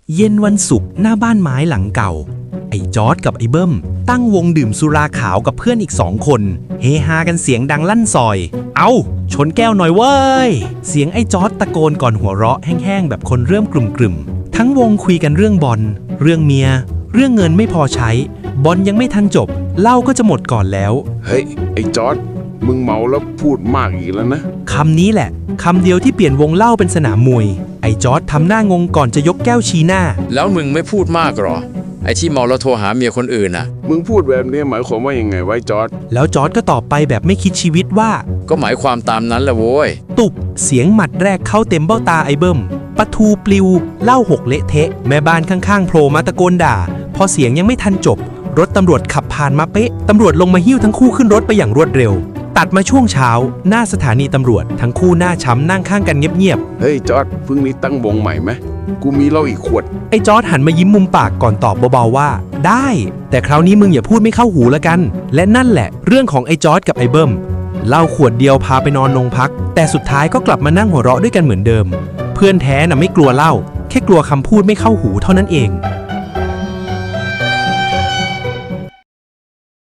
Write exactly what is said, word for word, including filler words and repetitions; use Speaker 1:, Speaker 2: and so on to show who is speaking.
Speaker 1: เย็นวันศุกร์หน้าบ้านไม้หลังเก่าไอ้จอร์ดกับไอ้เบิ้มตั้งวงดื่มสุราขาวกับเพื่อนอีกสองคนเฮฮากันเสียงดังลั่นซอยเอาชนแก้วหน่อยเว้ยเสียงไอ้จอร์ดตะโกนก่อนหัวเราะแห้งๆแบบคนเริ่มกลุ่มๆทั้งวงคุยกันเรื่องบอลเรื่องเมียเรื่องเงินไม่พอใช้บอลยังไม่ทันจบเหล้าก็จะหมดก่อนแล้ว
Speaker 2: เฮ้ยไอ้จอร์ดมึงเมาแล้วพูดมากอีกแล้วนะ
Speaker 1: คำนี้แหละคำเดียวที่เปลี่ยนวงเล่าเป็นสนามมวยไอ้จอร์ดทำหน้างงก่อนจะยกแก้วชี้หน้า
Speaker 3: แล้วมึงไม่พูดมากหรอไอ้ที่เมาแล้วโทรหาเมียคนอื่นน่ะ
Speaker 2: มึงพูดแบบนี้หมายความว่ายังไงไว้จอร์ด
Speaker 1: แล้วจอร์ดก็ตอบไปแบบไม่คิดชีวิตว่า
Speaker 3: ก็หมายความตามนั้นแหละโว้ย
Speaker 1: ตุบเสียงหมัดแรกเข้าเต็มเบ้าตาไอ้เบิ้มปะทูปลิวเหล้าหกเละเทะแม่บ้านข้างๆโผล่มาตะโกนด่าพอเสียงยังไม่ทันจบรถตำรวจขับผ่านมาเป๊ะตำรวจลงมาหิ้วทั้งคู่ขึ้นรถไปอย่างรวดเร็วตัดมาช่วงเช้าหน้าสถานีตำรวจทั้งคู่หน้าช้ำนั่งข้างกันเงียบ
Speaker 2: ๆเฮ้ยจอร์ดเพิ่งนี้ตั้งวงใหม่ไหมกูมีเหล้าอีกขวด
Speaker 1: ไอ้จอร์ดหันมายิ้มมุมปากก่อนตอบเบาๆว่าได้แต่คราวนี้มึงอย่าพูดไม่เข้าหูละกันและนั่นแหละเรื่องของไอ้จอร์ดกับไอ้เบิ้มเหล้าขวดเดียวพาไปนอนโรงพักแต่สุดท้ายก็กลับมานั่งหัวเราะด้วยกันเหมือนเดิมเพื่อนแท้น่ะไม่กลัวเหล้าแค่กลัวคำพูดไม่เข้าหูเท่านั้นเอง